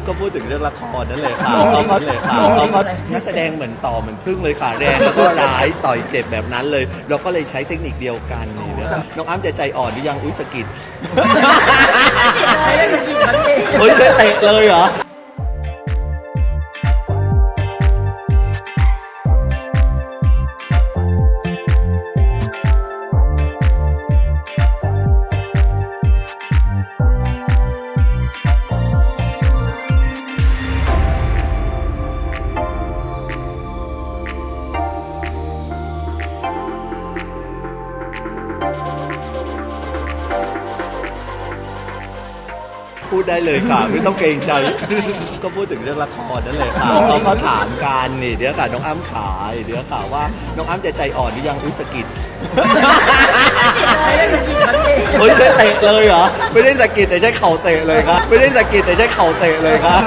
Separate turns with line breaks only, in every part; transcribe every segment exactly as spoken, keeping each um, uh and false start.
ก็พูดถึงเรื่องละครนั่นเลยค่ะเขาก็เลยค่ะเขาก็นักแสดงเหมือนต่อเหมือนพึ่งเลยค่ะแรงแล้วก็ร้ายต่อยเจ็บแบบนั้นเลย เราก็เลยใช้เทคนิคเดียวกันนี่นะน้องอ้ำจะใจอ่อนหรือยังอุ้ยสะกิด
ใช้ได้จริงๆครับพี่
เฮ้ยใช้เตะเลยเหรอพูดได้เลยค่ะไม่ต้องเกรงใจ ก็พูดถึงเรื่องละครนั่นเลยค่ะเขาก็ถามกันนี่เดี๋ยวค่ะน้องอ้ำขายเดี๋ยวค่ะว่าน้องอ้ำจะใจอ่อนหรือยังอุ้ยสะกิด
ใช้ได้จริงๆครับพี่
เฮ้ยใช้เตะเลยเหรอไม่ได้สะกิดแต่ใช้เข่าเตะเลยครับไม่ได้สะกิดแต่ใช้เข่าเตะเลยครับ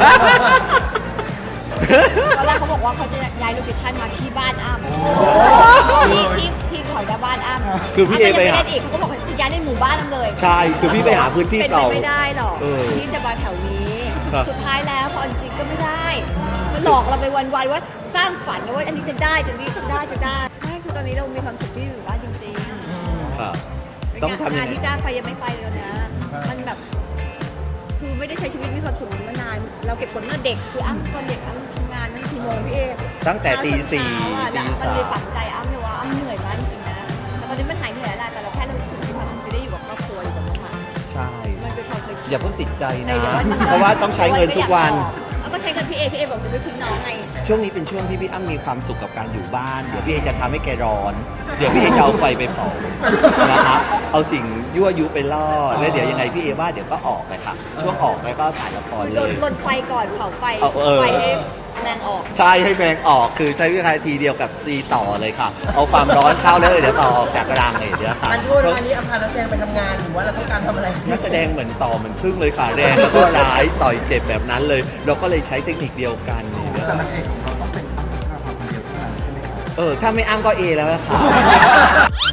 ตอนแรกเขาบอกว่าเขาจะย้ายโลเคชั่นมาที่บ้านอ้ำที่ที่ที่เขาจะบ้านอ้ำ
คือพี่เอไปหา
ม่ด้อีกเขาก็บอกว่าจะย้ายในหมู่บ้านอ้ำเลย
ใช่คือพี่ไปหาพื้นที่
เป็นไป
เก่า
ไม่ได้หรอก
เออ
ที่จะมาแถวนี้
ครับ
สุดท้ายแล้วพอจริงๆก็ไม่ได้มันหลอกเราไปวันๆว่าสร้างฝันนะว่าอันนี้จะได้จะนี้จะได้จะได้ใช่คือตอนนี้เรามีความสุขที่อยู่บ้านจริงๆ
ครับต้องทำยัง
งาน
ไง
ที่จ้างไปยังไม่ไปเลยนะมันแบบ คือไม่ได้ใช้ชีวิตมีความสุขมานาน เราเก็บผลเมื่อเด็ก คืออ้ำตอนเด็กอ้ำทำงานตั้งกี่โมงพี่เอ
ตั้งแต่ตีสี่
เช้า
ตี
อะแล้วมัน
สา
เลย
ม
ฝังใจอ้ำเลยว่าอ้ำเหนื่อยมากจริงๆนะแต่ตอนนี้มันหายเหนื่อยแล้วแต่เราแค่รู้สึกมีความสุขจะได้อยู่กับครอบครัวอยู่กับน้องหมา
ใช่
มันเป็นความเคยชิน
อย่าเพิ่งติดใจ
ใน
นะ
ดี๋ยววัน
เพราะว่าต้องใช้เงินทุกวัน
เอาก็ใช้เงินพี่เอพี่เอบอกจะไม่ทิ้งน้องไง
ช่วงนี้เป็นช่วงที่พี่อ้ำมีความสุขกับการอยู่บ้าน เดี๋ยวพี่เอจะทำให้แกร้อน เดี๋ยวพี่เอจะเอาไฟไปเผานะคะเอาสิ่งยั่วยุไปล่อ แล้วเดี๋ยวยังไงพี่เอว่าเดี๋ยวก็ออกเลยค่ะ ช่วงออกแล้วก็ถ่ายละคร
คือ
เล
ลน
ย
ลนไฟก่อนเผาไฟ
เอาเออ
ไฟให้แมงออก
ใช่ให้แมงออก คือใช้วิธีทีเดียวกับตีต่อเลยค่ะ เอาความร้อนเข้าแล้วเดี๋ยวต่อออกจากรังเลยเดี๋ยวค่ะ
อันพูดอันนี้อภานักแสดงไปทำงานหรือว่าเราต้องการทำอะไร
นักแสดงเหมือนต่อเหมือนพึ่งเลยค่ะแรงแล้วก็ร้ายต่อยเจ็บแบบนั้นเลย เราก็เลยใช้เทคนิคเดียวกันนี่นะ
แต่นางเอกของเราต้องเป็นอ้ำพัชราภาคนเดียวเท่านั้นใช่ไหมครับ
เออถ้าไม่อ้ำก็เอแล้วล่ะค่ะ